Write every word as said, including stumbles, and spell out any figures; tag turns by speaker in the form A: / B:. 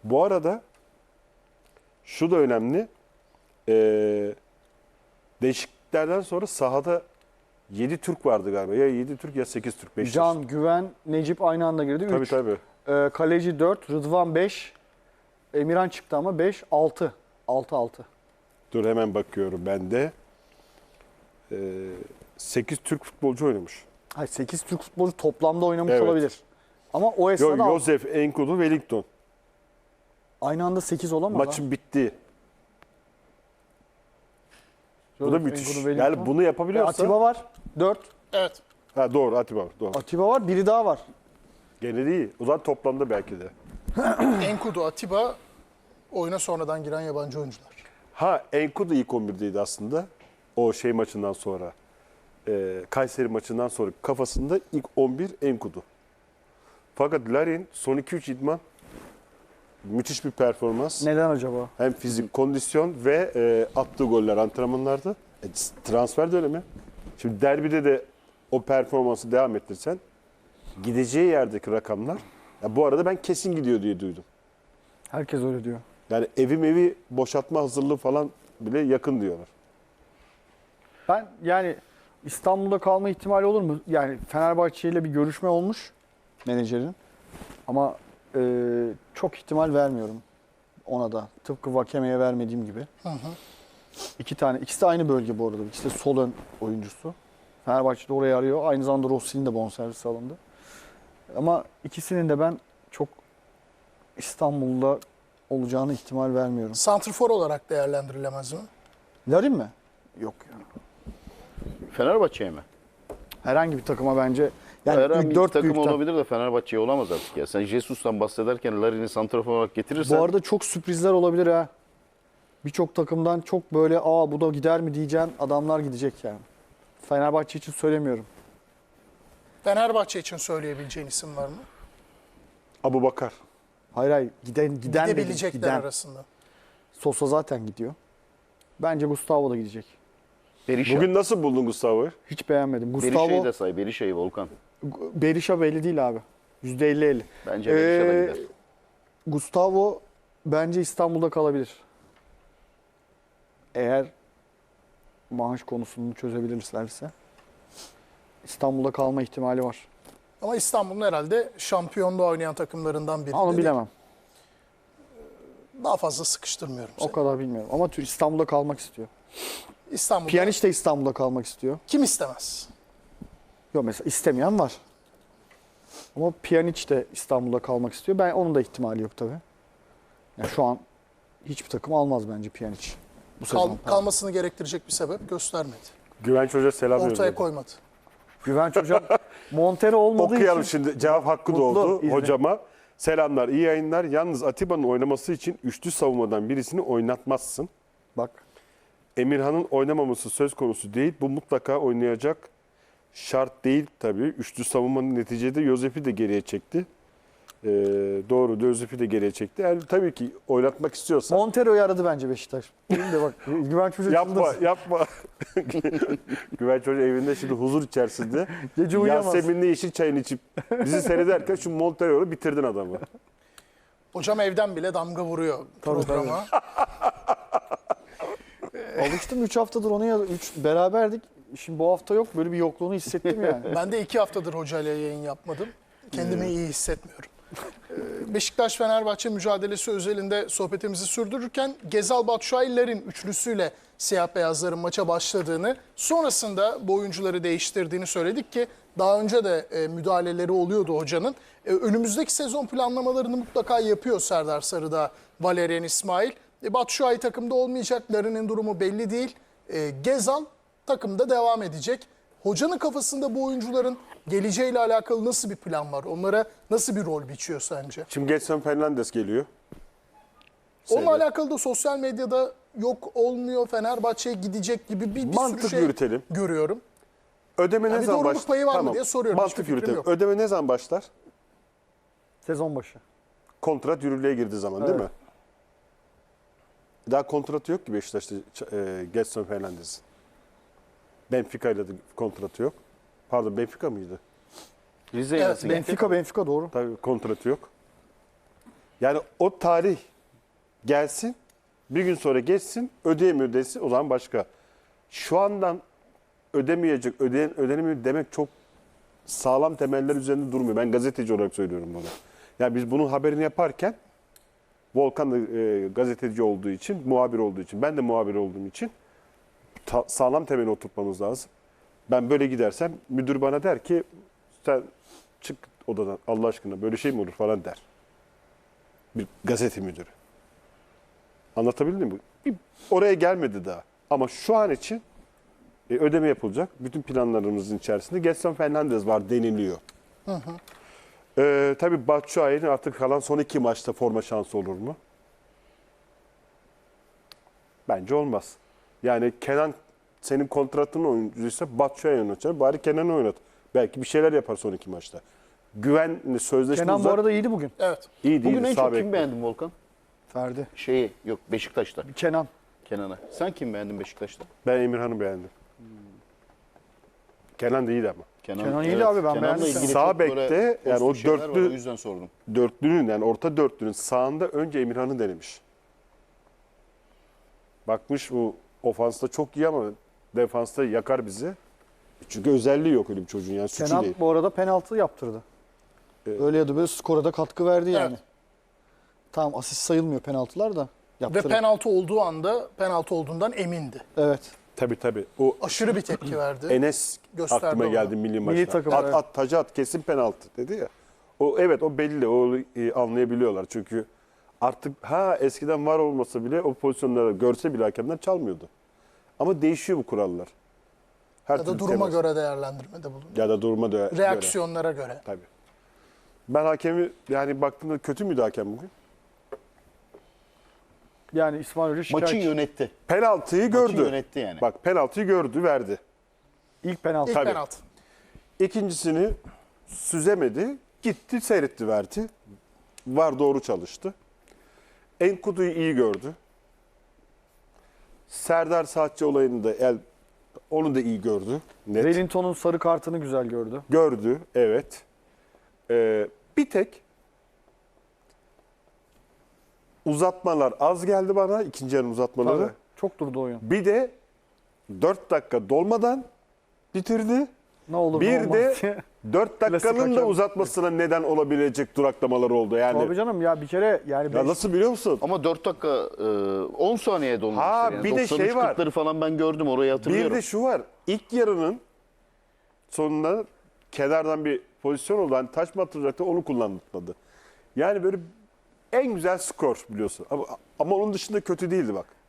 A: Bu arada şu da önemli. Ee, değişikliklerden sonra sahada yedi Türk vardı galiba. Ya yedi Türk ya sekiz Türk. Beşiktaş.
B: Can, Güven, Necip aynı anda girdi.
A: Tabii
B: üç.
A: tabii.
B: Ee, kaleci dört, Rıdvan beş. Emirhan çıktı ama beş, altı. altı altı.
A: Dur hemen bakıyorum ben de. Ee, sekiz Türk futbolcu oynamış.
B: Hayır, sekiz Türk futbolcu toplamda oynamış
A: Evet.
B: olabilir. Ama o
A: Yo,
B: esnada
A: Josef, Enkudu, Wellington.
B: aynı anda sekiz olamaz. ha.
A: Maçın bittiği. Bu da
B: Joseph,
A: müthiş.
B: Enkudu, Wellington.
A: Yani bunu
B: E,
A: yapabiliyorsa...
B: Atiba var. dört.
C: Evet.
A: Ha, doğru Atiba var. Doğru.
B: Atiba var. Biri daha var.
A: Gene değil. O zaman toplamda belki de.
C: Enkudu, Atiba oyuna sonradan giren yabancı oyuncular.
A: Ha Enkudu ilk on birdeydi aslında. O şey maçından sonra. E, Kayseri maçından sonra kafasında ilk on bir Enkudu. Fakat Larin son iki üç idman müthiş bir performans.
B: Neden acaba?
A: Hem fizik, kondisyon ve e, attığı goller antrenmanlarda. E, transfer dönemi. Şimdi derbide de o performansı devam ettirsen gideceği yerdeki rakamlar. Ya bu arada ben kesin gidiyor diye duydum.
B: Herkes öyle diyor.
A: Yani evim evi boşaltma hazırlığı falan bile yakın diyorlar.
B: Ben yani İstanbul'da kalma ihtimali olur mu? Yani Fenerbahçe ile bir görüşme olmuş menajerin. Ama e, çok ihtimal vermiyorum ona da. Tıpkı Vakeme'ye vermediğim gibi.
C: Hı hı.
B: İki tane. İkisi de aynı bölge bu arada. İkisi de sol ön oyuncusu. Fenerbahçe de orayı arıyor. Aynı zamanda Rossi'nin de bonservisi alındı. Ama ikisinin de ben çok İstanbul'da olacağını ihtimal vermiyorum.
C: Santrfor olarak değerlendirilemez mi?
B: Larin mi? Yok ya.
D: Fenerbahçe'ye mi?
B: Herhangi bir takıma bence. Yani
D: Herhangi
B: ilk
D: bir
B: dört
D: takım
B: büyükten.
D: olabilir de Fenerbahçe'ye olamaz artık ya. Sen Jesus'tan bahsederken Larin'i santrafor olarak getirirsen
B: Bu arada çok sürprizler olabilir ha. Birçok takımdan çok böyle aa bu da gider mi diyeceğin adamlar gidecek yani. Fenerbahçe için söylemiyorum.
C: Fenerbahçe için söyleyebileceğin isim var mı?
A: Abu Bakar.
B: Hayır hayır giden giden dedim,
C: Gidebilecekler
B: giden.
C: arasında.
B: Sosa zaten gidiyor. Bence Gustavo da gidecek.
D: Berisha.
A: Bugün nasıl buldun Gustavo'yu?
B: Hiç beğenmedim.
D: Berisha'yı
B: Gustavo
D: da say. Berisha'yı Volkan.
B: Berisha belli değil abi. yüzde elli elli.
D: Bence Berisha da
B: Ee,
D: gider.
B: Gustavo bence İstanbul'da kalabilir. Eğer maaş konusunu çözebilirlerse İstanbul'da kalma ihtimali var.
C: Ama İstanbul'un herhalde şampiyonluğa oynayan takımlarından biri.
B: Onu bilemem.
C: Daha fazla sıkıştırmıyorum
B: O
C: seni.
B: kadar bilmiyorum. Ama Tür- İstanbul'da kalmak istiyor.
C: İstanbul'da
B: Pjanic de İstanbul'da kalmak istiyor.
C: kim istemez?
B: Yok mesela istemeyen var. Ama Pjanic de İstanbul'da kalmak istiyor. Ben onun da ihtimali yok tabii. Yani şu an hiçbir takım almaz bence Pjanic. Bu
C: Kal-
B: sezon.
C: kalmasını gerektirecek bir sebep göstermedi.
A: Güvenç Hoca selam
C: Ortaya
A: yolladı.
C: koymadı.
B: Güvenç hocam Montero olmadığı
A: Okuyalım
B: için
A: şimdi. Cevap hakkı
B: Mutlu,
A: doğdu
B: izle.
A: hocama. Selamlar, iyi yayınlar. Yalnız Atiba'nın oynaması için üçlü savunmadan birisini oynatmazsın.
B: bak
A: Emirhan'ın oynamaması söz konusu değil. Bu mutlaka oynayacak şart değil tabii. Üçlü savunmanın neticede Yosef'i de geriye çekti. Ee, doğru, Yosef'i de geriye çekti. Yani tabii ki oynatmak istiyorsa
B: Montero'yu aradı bence Beşiktaş. Değil de bak Güvenç Hoca
A: yapma,
B: çıldırdı.
A: yapma. Güvenç Hoca evinde şimdi huzur içerisinde.
B: Gece uyuyamaz.
A: Yasemin'le yeşil çayını içip bizi seyrederken şu Montero'yu bitirdin adamı.
C: Hocam evden bile damga vuruyor
B: Tabii,
C: programa.
B: Alıştım üç haftadır onu ya üç beraberdik. Şimdi bu hafta yok. Böyle bir yokluğunu hissettim yani.
C: Ben de iki haftadır hocayla yayın yapmadım. Kendimi iyi hissetmiyorum. Ee, Beşiktaş-Fenerbahçe mücadelesi özelinde sohbetimizi sürdürürken Gezal Batshuayi'lerin üçlüsüyle siyah beyazların maça başladığını, sonrasında bu oyuncuları değiştirdiğini söyledik ki daha önce de e, müdahaleleri oluyordu hocanın. E, önümüzdeki sezon planlamalarını mutlaka yapıyor Serdar Sarıdağ, Valerian İsmail. E, Batshuayi takımda olmayacak, Larin'in durumu belli değil. E, Gezal takımda devam edecek. Hocanın kafasında bu oyuncuların geleceğiyle alakalı nasıl bir plan var? Onlara nasıl bir rol biçiyor sence?
A: Şimdi Gedson Fernandes geliyor.
C: Onunla
A: Seyret.
C: alakalı da sosyal medyada yok olmuyor, Fenerbahçe'ye gidecek gibi bir, bir
A: Mantık
C: sürü şey
A: yürütelim.
C: görüyorum.
A: Ödeme
C: Ya
A: ne
C: bir
A: zaman
C: doğruluk
A: başlar?
C: payı var mı diye soruyorum.
A: Mantık
C: Hiçbir fikrim
A: yürütelim.
C: yok.
A: Ödeme ne zaman başlar?
B: Sezon başı.
A: Kontrat yürürlüğe girdiği zaman değil
B: Evet.
A: mi? Daha kontratı yok ki Beşiktaş'ta e, Gedson Fernandes'in. Benfica ile de kontratı yok. Pardon Benfica mıydı?
D: Rize'ye
C: Evet,
D: nasıl gitti?
B: Benfica Benfica doğru.
A: Tabii kontratı yok. Yani o tarih gelsin, bir gün sonra geçsin, ödeyemiyor desin, o zaman başka. Şu andan ödemeyecek, ödeyen, ödenemiyor demek çok sağlam temeller üzerinde durmuyor. Ben gazeteci olarak söylüyorum bunu. Yani biz bunun haberini yaparken Volkan da e, gazeteci olduğu için, muhabir olduğu için, ben de muhabir olduğum için ta- sağlam temeli oturtmamız lazım. Ben böyle gidersem müdür bana der ki sen çık odadan Allah aşkına böyle şey mi olur falan der. Bir gazete müdürü. Anlatabildim mi? Bir, oraya gelmedi daha. Ama şu an için e, ödeme yapılacak. Bütün planlarımızın içerisinde Gedson Fernandes var deniliyor. Hı hı. Ee, tabii Batshuayi'nin artık kalan son iki maçta forma şansı olur mu? Bence olmaz. Yani Kenan senin kontratın oyuncuysa Batshuayi oynatacak. Bari Kenan'ı oynat. Belki bir şeyler yapar son iki maçta. Güvenli sözleşme
B: Kenan bu
A: uzak.
B: arada iyiydi bugün.
C: Evet.
A: İyi değil.
D: Bugün en
A: sağ
D: çok
A: bekle.
D: kim beğendin Volkan?
B: Ferdi.
D: Şeyi yok Beşiktaş'ta.
B: Kenan.
D: Kenan'a. Sen kim beğendin Beşiktaş'ta?
A: Ben Emirhan'ı beğendim. Kenan da iyiydi ama.
B: Kenan iyiydi abi, ben
D: Kenan'la
B: beğendim
D: ilgili
A: Sağ
D: çok böyle
A: bekte, yani o
D: pozitif şeyler var,
A: dörtlü-
D: o yüzden sordum.
A: Dörtlünün yani orta dörtlünün sağında önce Emirhan'ı denemiş. Bakmış bu ofansta çok iyi ama defansta yakar bizi. Çünkü özelliği yok öyle bir çocuğun yani suçu
B: Kenan
A: değil.
B: bu arada penaltı yaptırdı.
A: Evet.
B: Öyle ya da böyle skora da katkı verdi yani.
C: Evet.
B: Tamam, asist sayılmıyor penaltılar da.
C: Ve
B: Yaptırdı.
C: penaltı olduğu anda penaltı olduğundan emindi.
B: Evet.
A: Tabii tabii. O
C: Aşırı bir tepki verdi.
A: Enes
C: Gösterdi
A: aklıma
C: onu.
A: geldi milli maçta.
B: Milli takım,
A: at,
B: evet.
A: at, tacı at, kesin penaltı dedi ya. O evet o belli. O e, anlayabiliyorlar. Çünkü artık ha eskiden var olmasa bile o pozisyonları görse bile hakemler çalmıyordu. Ama değişiyor bu kurallar. Her
C: Ya da
A: türlü
C: duruma
A: temas-
C: göre değerlendirmede bulundu.
A: ya da duruma göre.
C: Reaksiyonlara göre.
A: Tabii. Ben hakemi yani baktığımda kötü müydü hakem bugün?
B: Yani İsmail Hoca şikayetçi.
D: Maçı yönetti.
A: Penaltıyı
D: Maçı
A: gördü.
D: yönetti yani.
A: Bak penaltıyı gördü, verdi.
B: İlk penaltı.
C: İlk
A: Tabii.
C: penaltı.
A: İkincisini süzemedi. Gitti seyretti verdi. Var doğru çalıştı. Enkudu'yu iyi gördü. Serdar Saatçi olayını da el, onu da iyi gördü. Net.
B: Wellington'un sarı kartını güzel gördü.
A: Gördü evet. Ee, bir tek uzatmalar az geldi bana. İkinci yarım uzatmaları.
B: Tabii. Çok durdu oyun.
A: Bir de dört dakika dolmadan bitirdi.
B: Ne olur ne
A: Bir
B: olmaz
A: de
B: diye.
A: dört
B: Klasik
A: dakikanın da
B: hakem.
A: uzatmasına neden olabilecek duraklamalar oldu. Yani
B: Tabii canım ya, bir kere yani
A: ya
B: beş-
A: nasıl biliyor musun?
D: Ama dört dakika e, on saniye dolmuştur.
A: Ha,
D: yani.
A: bir de
D: doksan üç
A: şey var.
D: kırkları falan ben gördüm, orayı hatırlıyorum.
A: Bir de şu var. İlk yarının sonunda kenardan bir pozisyon oldu. Hani taç mı atılacaktı onu kullanmadı. Yani böyle en güzel skor biliyorsun. Ama, ama onun dışında kötü değildi bak.